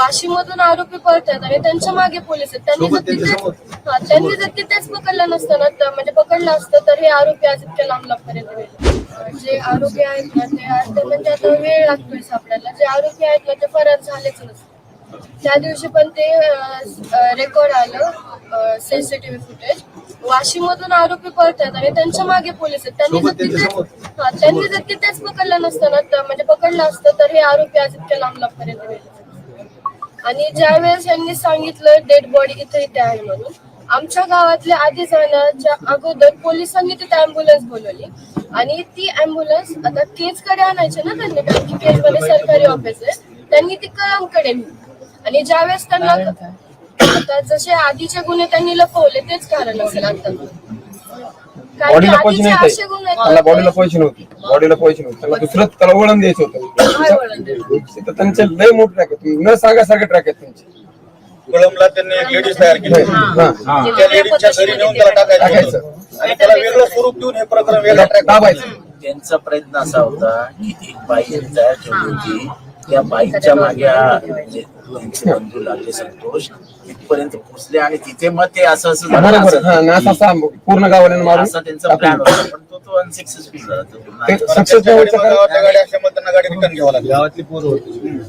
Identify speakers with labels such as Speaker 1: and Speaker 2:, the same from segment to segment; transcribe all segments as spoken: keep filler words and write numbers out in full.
Speaker 1: वाशीमधून आरोपी पळतात आणि त्यांच्या मागे पोलीस आहेत. त्यांनी जर तिथेच हा त्यांनी जर तिथेच पकडलं नसतं ना तर म्हणजे पकडलं असतं तर हे आरोपी आज इतक्या लांब लांबपर्यंत गेले. जे आरोपी आहेत ना ते आज म्हणजे आता वेळ लागतोय सापडायला. जे आरोपी आहेत ना ते फरार झालेच नसते. त्या दिवशी पण ते रेकॉर्ड आलं सीसीटीव्ही फुटेज. वाशीमधून आरोपी पळतात आणि त्यांच्या मागे पोलीस आहेत. त्यांनी जर तिथेच हा त्यांनी जर तिथेच पकडलं नसतं ना तर म्हणजे पकडलं असतं तर हे आरोपी आज इतक्या लांब लांबपर्यंत गेले. आणि ज्यावेळेस यांनी सांगितलं डेड बॉडी इथे इथे आहे म्हणून, आमच्या गावातल्या आधी जाण्याच्या अगोदर पोलिसांनी तिथे अँब्युलन्स बोलवली आणि ती अँब्युलन्स आता केजकडे आणायची ना त्यांनी, कारण की केजमध्ये सरकारी ऑफिस आहे. त्यांनी ती कळमकडे आणि ज्यावेळेस त्यांना आता जसे आधीचे गुन्हे त्यांनी लपवले तेच कारण असेल आता.
Speaker 2: बॉडीला पैसे नाही, त्याला बॉडीला पैसे नव्हते, बॉडीला पैसे नव्हते, त्याला दुसरं त्याला वळण द्यायचं होतं. त्यांचे लय मोठे ट्रॅक आहेत, न सांगासारखे ट्रॅक आहेत त्यांचे.
Speaker 3: कळमला त्यांनी एक लेडीज तयार केली, त्या लेडीजच्या घरी नेऊन त्याला टाकायचं आणि त्याला वेगळं स्वरूप देऊन हे प्रकरण वेगळा ट्रॅक दाबायचं.
Speaker 4: त्यांचा प्रयत्न असा होता की एक बाई तयार ठेवली होती, त्या बाईकच्या मागे म्हणजे त्यांचे बंधू लागले संतोष तिथपर्यंत पोहोचले आणि तिथे मग ते असं असं
Speaker 2: पूर्ण गावाला मारून
Speaker 4: असा त्यांचा प्लॅन होता, पण तो तो अनसक्सेसफुल झाला.
Speaker 3: गावाच्या गाडी असल्यामुळे त्यांना गाडी रिटर्न घ्यावं लागली. गावातली पोरं होती.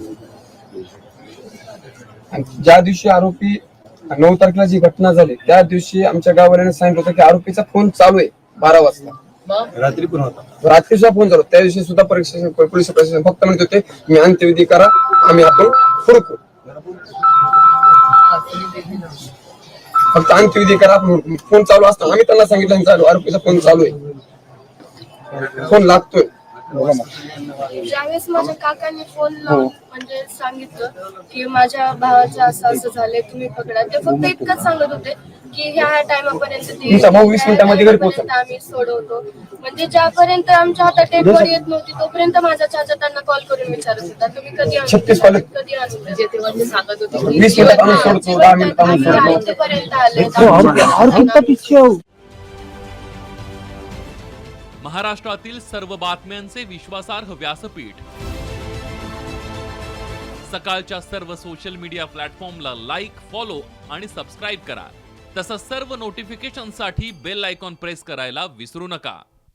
Speaker 2: ज्या दिवशी आरोपी नऊ तारखेला जी घटना झाली त्या दिवशी आमच्या गावाल्याने सांगितलं होतं की आरोपीचा फोन चालू आहे बारा वाजता.
Speaker 3: रात्री पण होता,
Speaker 2: रात्री सुद्धा फोन झाला. त्या दिवशी सुद्धा परीक्षा पोलीस प्रशासन फक्त म्हणत होते मी अंत्यविधी करा, आम्ही आपण हुडकू, फक्त अंत्यविधी करा आपण हुडकू. फोन चालू असताना आम्ही त्यांना सांगितलं चालू आरोपीचा फोन चालू आहे, फोन लागतोय.
Speaker 1: ज्यावेळेस माझ्या काकांनी फोन लावून म्हणजे सांगितलं की माझ्या भावाचं असं असं झालंय तुम्ही पकडा, ते फक्त इतकंच सांगत होते की ह्या टायमापर्यंत
Speaker 2: वीस मिनिटांमध्ये घरी पोहोचतो
Speaker 1: आम्ही सोडवतो. म्हणजे ज्यापर्यंत आमच्या हातात डेड बॉडी येत नव्हती तोपर्यंत माझा चाचा त्यांना कॉल करून विचारत होता तुम्ही कधी
Speaker 2: छत्तीस
Speaker 1: आणू कधी आणू. तेव्हा ते सांगत होते
Speaker 2: वीस मिनिटात आणून सोडतो, दहा मिनिटात आणून सोडतो.
Speaker 1: पर्यंत आले.
Speaker 5: महाराष्ट्रातील सर्व बातम्यांचे विश्वासार्ह व्यासपीठ, सकाळच्या सर्व सोशल मीडिया प्लॅटफॉर्मला लाईक, फॉलो आणि सबस्क्राईब करा. तसंच सर्व नोटिफिकेशनसाठी बेल आयकॉन प्रेस करायला विसरू नका.